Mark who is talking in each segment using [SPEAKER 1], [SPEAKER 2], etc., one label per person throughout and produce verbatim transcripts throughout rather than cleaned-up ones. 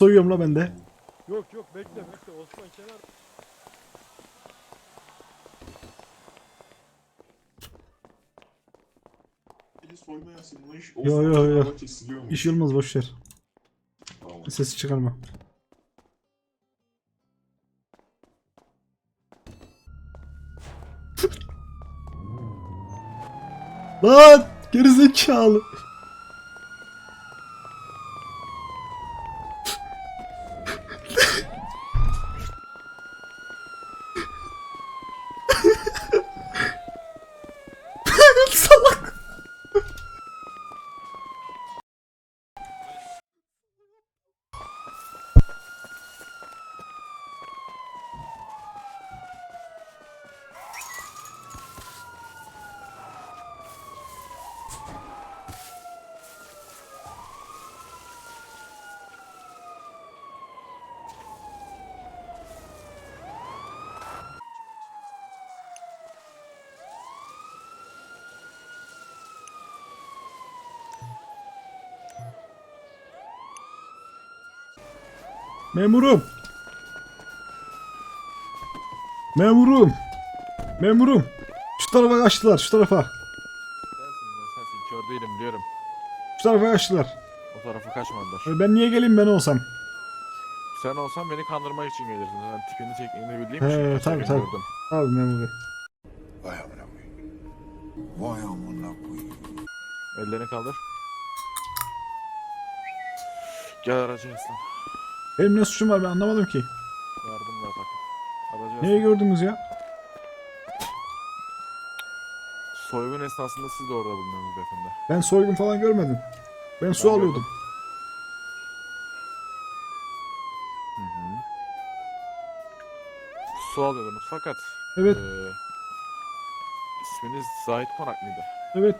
[SPEAKER 1] Soyuyorum la ben de.
[SPEAKER 2] Yok yok bekle bekle Osman kenar.
[SPEAKER 3] Biri soymaya asılmış.
[SPEAKER 1] Yo,
[SPEAKER 3] Osman
[SPEAKER 1] yo, yo.
[SPEAKER 3] kenarda kesiliyormuş.
[SPEAKER 1] İş olmaz boşver.
[SPEAKER 3] Tamam.
[SPEAKER 1] Sesi çıkarma. Lan gerizekalı. Salak. Memurum. Memurum. Memurum. Şu tarafa kaçtılar, şu tarafa.
[SPEAKER 2] Sensin ben sensin kör değilim biliyorum.
[SPEAKER 1] Şu tarafa kaçtılar.
[SPEAKER 2] O tarafa kaçmadılar.
[SPEAKER 1] E, Ben niye geleyim ben olsam?
[SPEAKER 2] Sen olsan beni kandırmak için gelirdin. Ben tipini çektiğini bildiğim
[SPEAKER 1] He,
[SPEAKER 2] için
[SPEAKER 1] tabii,
[SPEAKER 2] kaçarken
[SPEAKER 1] tabii.
[SPEAKER 2] gördüm.
[SPEAKER 1] Abi memur bey.
[SPEAKER 4] Vay amına koyayım. Vay amına koyayım.
[SPEAKER 2] Ellerini kaldır. Gel aracı yaslan.
[SPEAKER 1] Benim ne suçum var ben anlamadım ki.
[SPEAKER 2] Yardım ver bakayım. Aracı
[SPEAKER 1] Neyi
[SPEAKER 2] yaslan.
[SPEAKER 1] gördünüz ya?
[SPEAKER 2] Soygun esnasında siz de orada bulundunuz beyefendi.
[SPEAKER 1] Ben soygun falan görmedim. Ben su
[SPEAKER 2] Ben
[SPEAKER 1] alıyordum.
[SPEAKER 2] gördüm. Hı hı. Su alıyordunuz fakat
[SPEAKER 1] Evet.
[SPEAKER 2] eee, isminiz Zahit Konak mıydı?
[SPEAKER 1] Evet.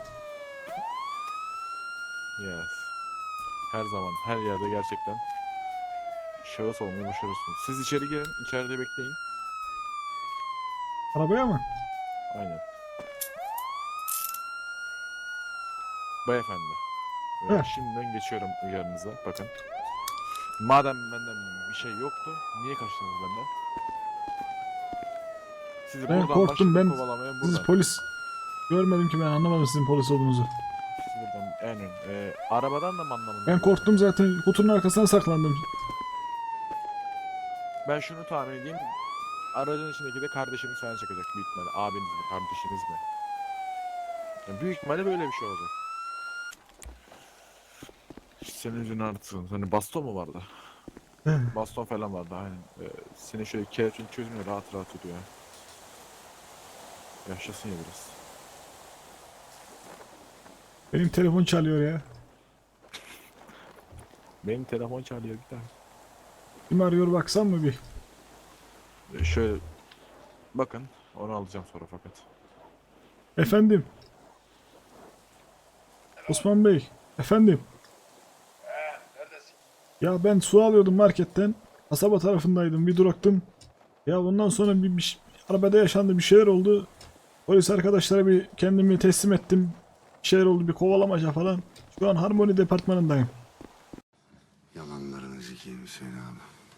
[SPEAKER 2] Yes. Her zaman, her yerde gerçekten şahıs olmayı başarırsınız. Siz içeri girin, içeride bekleyin.
[SPEAKER 1] Arabaya mı?
[SPEAKER 2] Aynen. Beyefendi.
[SPEAKER 1] Heh.
[SPEAKER 2] Ee, şimdiden geçiyorum uyarınıza. Bakın. Madem benden bir şey yoktu, niye kaçtınız benden? Sizi
[SPEAKER 1] Ben
[SPEAKER 2] buradan
[SPEAKER 1] korktum,
[SPEAKER 2] başladım
[SPEAKER 1] ben-
[SPEAKER 2] kovalamaya
[SPEAKER 1] Siz
[SPEAKER 2] buradan.
[SPEAKER 1] polis. Görmedim ki ben anlamadım sizin polis olduğunuzu.
[SPEAKER 2] Siz buradan en ön. Ee, arabadan da mı anlamadınız?
[SPEAKER 1] Ben korktum zaten kutunun arkasına saklandım.
[SPEAKER 2] Ben şunu tahmin edeyim. Aracın içindeki de kardeşiniz falan çıkacak büyük ihtimalle. Abiniz mi, kardeşiniz mi? Yani büyük ihtimalle böyle bir şey olacak. Senin yüzünü artırın. Hani baston mu vardı? Baston falan vardı aynen. Ee, senin şöyle kelepçeni çözmüyor rahat rahat yürüyor. Yaşasın ya biraz.
[SPEAKER 1] Benim telefon çalıyor ya.
[SPEAKER 2] Benim telefon çalıyor bir tane.
[SPEAKER 1] Kim arıyor baksam mı bir?
[SPEAKER 2] Ee, şöyle bakın onu alacağım sonra fakat.
[SPEAKER 1] Efendim. Osman Bey. Efendim. Ya ben su alıyordum marketten. Kasaba tarafındaydım. Bir duraktım. Ya ondan sonra bir, bir ş- arabada yaşandı bir şeyler oldu. Polis arkadaşlara bir kendimi teslim ettim. Bir şeyler oldu bir kovalamaca falan. Şu an Harmony departmanındayım.
[SPEAKER 4] Yalanlarını zikeyim Hüseyin abi.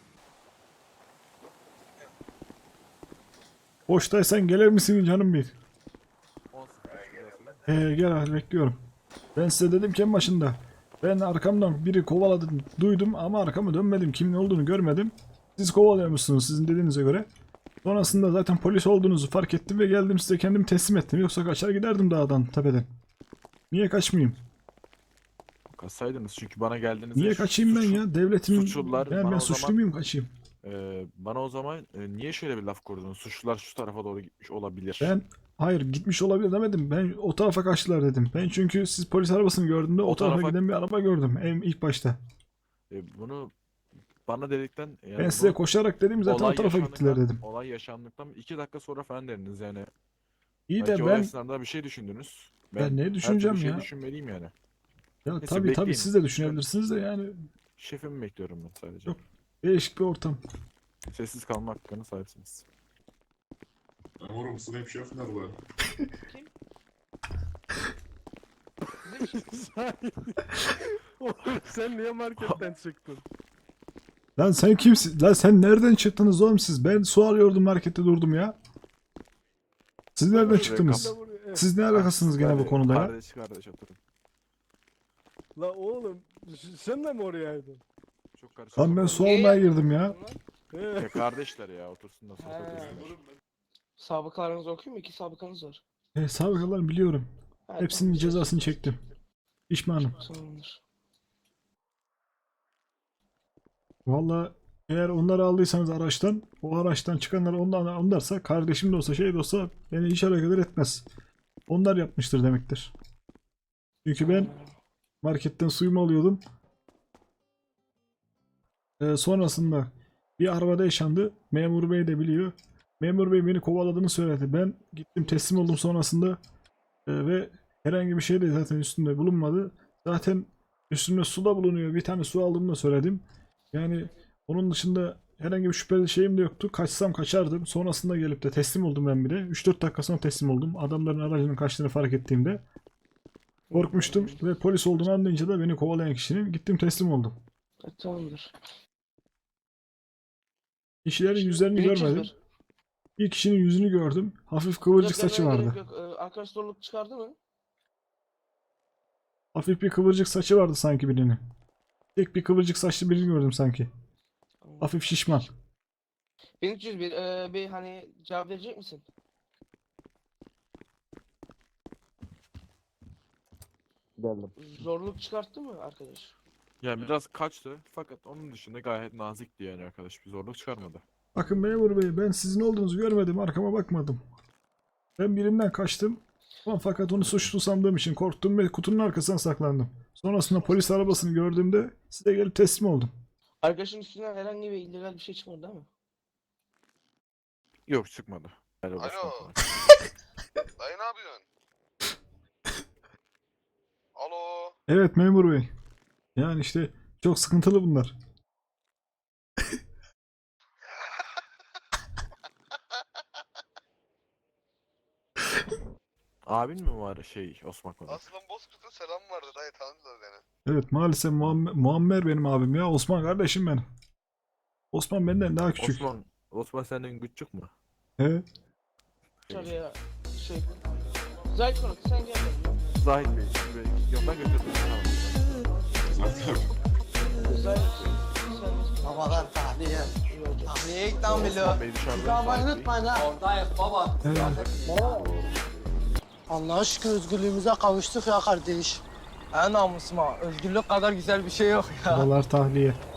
[SPEAKER 1] Boştaysan gelir misin canım bir?
[SPEAKER 2] on sıfır.
[SPEAKER 1] He gel hadi bekliyorum. Ben size dedim ki en başında. Ben arkamdan biri kovaladı duydum ama arkamı dönmedim. Kimin olduğunu görmedim. Siz kovalıyormuşsunuz sizin dediğinize göre. Sonrasında zaten polis olduğunuzu fark ettim ve geldim size kendimi teslim ettim. Yoksa kaçar giderdim dağdan tepeden. Niye kaçmayayım?
[SPEAKER 2] Kaçsaydınız çünkü bana geldiniz.
[SPEAKER 1] Niye kaçayım ben ya? Devletimin...
[SPEAKER 2] suçlular
[SPEAKER 1] ben,
[SPEAKER 2] bana
[SPEAKER 1] ben
[SPEAKER 2] o
[SPEAKER 1] suçlu
[SPEAKER 2] zaman-
[SPEAKER 1] muyum kaçayım?
[SPEAKER 2] Ee, bana o zaman e, niye şöyle bir laf kurdunuz? Suçlular şu tarafa doğru gitmiş olabilir.
[SPEAKER 1] Ben hayır gitmiş olabilir demedim. Ben o tarafa kaçtılar dedim. Ben çünkü siz polis arabasını gördüğümde o,
[SPEAKER 2] O
[SPEAKER 1] tarafa,
[SPEAKER 2] tarafa-
[SPEAKER 1] giden bir araba gördüm en ilk başta.
[SPEAKER 2] E, bunu bana dedikten yani
[SPEAKER 1] Ben size
[SPEAKER 2] bunu
[SPEAKER 1] koşarak dedim zaten o
[SPEAKER 2] olay
[SPEAKER 1] tarafa gittiler
[SPEAKER 2] yaşandıktan-
[SPEAKER 1] dedim.
[SPEAKER 2] Olay yaşandıktan iki dakika sonra falan dediniz yani.
[SPEAKER 1] İyi
[SPEAKER 2] Belki
[SPEAKER 1] de
[SPEAKER 2] o
[SPEAKER 1] ben
[SPEAKER 2] esnada bir şey düşündünüz.
[SPEAKER 1] Ben ne
[SPEAKER 2] her türlü
[SPEAKER 1] düşüneceğim
[SPEAKER 2] şey
[SPEAKER 1] ya?
[SPEAKER 2] düşünmeliyim yani.
[SPEAKER 1] ya
[SPEAKER 2] Neyse,
[SPEAKER 1] tabii tabii
[SPEAKER 2] bekleyin.
[SPEAKER 1] siz de düşünebilirsiniz de yani
[SPEAKER 2] Şefimi bekliyorum ben sadece.
[SPEAKER 1] Yok. değişik bir ortam.
[SPEAKER 2] Sessiz kalma hakkına sahipsiniz.
[SPEAKER 3] Memurum Snap Chef nerede?
[SPEAKER 5] Oğlum sen niye marketten çıktın?
[SPEAKER 1] Lan sen kimsin? Lan sen nereden çıktınız oğlum siz? Ben su arıyordum markette durdum ya. Siz nereden
[SPEAKER 2] Şuraya
[SPEAKER 1] çıktınız?
[SPEAKER 2] kap-
[SPEAKER 1] Siz ne alakasınız gene bu
[SPEAKER 2] Hadi,
[SPEAKER 1] konuda ya?
[SPEAKER 2] Kardeş kardeş oturun.
[SPEAKER 5] La oğlum s- sen de mi oradaydı?
[SPEAKER 2] Çok karışık.
[SPEAKER 1] Lan ben su almaya girdim ya.
[SPEAKER 5] He.
[SPEAKER 2] Ya kardeşler ya otursunlar sohbet
[SPEAKER 6] He.
[SPEAKER 2] etsinler.
[SPEAKER 6] Sabıkalarınızı okuyayım mı? İki sabıkanız var.
[SPEAKER 1] E, sabıkalarını biliyorum.
[SPEAKER 6] Ha,
[SPEAKER 1] Hepsinin
[SPEAKER 6] tamam.
[SPEAKER 1] cezasını çektim. Pişmanım.
[SPEAKER 6] Tamamdır.
[SPEAKER 1] Valla eğer onları aldıysanız araçtan, o araçtan çıkanlar ondan onlarsa, kardeşim de olsa şey de olsa beni hiç alakadar etmez. Onlar yapmıştır demektir. Çünkü ben marketten suyumu alıyordum. Ee, sonrasında bir arabada yaşandı. Memur bey de biliyor. Memur bey beni kovaladığını söyledi. Ben gittim teslim oldum sonrasında. Ee, ve herhangi bir şey de zaten üstümde bulunmadı. Zaten üstümde su da bulunuyor. Bir tane su aldığımı da söyledim. Yani onun dışında herhangi bir şüpheli şeyim de yoktu. Kaçsam kaçardım. Sonrasında gelip de teslim oldum ben bir de. üç dört dakika sonra teslim oldum. Adamların aracının kaçtığını fark ettiğimde. Korkmuştum ve polis olduğunu anlayınca da beni kovalayan kişinin gittim teslim oldum.
[SPEAKER 6] Ha, tamamdır.
[SPEAKER 1] Kişilerin yüzlerini
[SPEAKER 6] Bir çiz
[SPEAKER 1] görmedim.
[SPEAKER 6] ver.
[SPEAKER 1] Bir kişinin yüzünü gördüm. Hafif kıvırcık
[SPEAKER 6] Yok,
[SPEAKER 1] saçı
[SPEAKER 6] görmene
[SPEAKER 1] vardı.
[SPEAKER 6] gerek yok. Ee, Arkadaş zorluk çıkardı mı?
[SPEAKER 1] Hafif bir kıvırcık saçı vardı sanki birinin. Tek bir kıvırcık saçlı birini gördüm sanki.
[SPEAKER 6] Tamam.
[SPEAKER 1] Hafif şişman.
[SPEAKER 6] bin üç yüz bir. Ee, bir hani cevap verecek misin?
[SPEAKER 2] Geldim.
[SPEAKER 6] Zorluk çıkarttı mı arkadaş?
[SPEAKER 2] Yani biraz kaçtı fakat onun dışında gayet nazikti yani arkadaş bir zorluk çıkarmadı.
[SPEAKER 1] Bakın memur bey, ben sizin olduğunuzu görmedim. Arkama bakmadım. Ben birinden kaçtım. Ama fakat onu suçlu sandığım için korktum ve kutunun arkasına saklandım. Sonrasında polis arabasını gördüğümde size gelip teslim oldum.
[SPEAKER 6] Arkadaşın üstünden herhangi bir illegal bir şey çıkmadı değil mi?
[SPEAKER 2] Yok çıkmadı. Helal olsun
[SPEAKER 7] Alo.
[SPEAKER 2] arkadaş.
[SPEAKER 7] Dayı ne yapıyorsun? Alo.
[SPEAKER 1] Evet memur bey. Yani işte çok sıkıntılı bunlar.
[SPEAKER 2] Abin mi var şey Osman Konak?
[SPEAKER 7] Aslan Bozkurt'un selamı vardı dayı tanıdılar beni.
[SPEAKER 1] Evet maalesef Muammer, Muammer benim abim ya. Osman kardeşim benim. Osman benden daha küçük.
[SPEAKER 2] Osman, Osman senden küçük mü?
[SPEAKER 1] He?
[SPEAKER 6] Dışarıya şey... Zahit Konak sen gel.
[SPEAKER 2] Zahit Bey, şimdi Bey, yoldan götürdüm. Tamam.
[SPEAKER 3] Zaten
[SPEAKER 6] Zahit sen...
[SPEAKER 8] Babalar tahliye. Tahliye ilk tam biliyor.
[SPEAKER 2] Osman Bey dışarıda.
[SPEAKER 8] Çıkarmayı
[SPEAKER 2] Zahit Bey.
[SPEAKER 8] unutmayın ha. Oradayız baba.
[SPEAKER 1] Evet.
[SPEAKER 8] Allah'a şükür özgürlüğümüze kavuştuk ya kardeş. En namusuma özgürlük kadar güzel bir şey yok ya.
[SPEAKER 1] Babalar tahliye.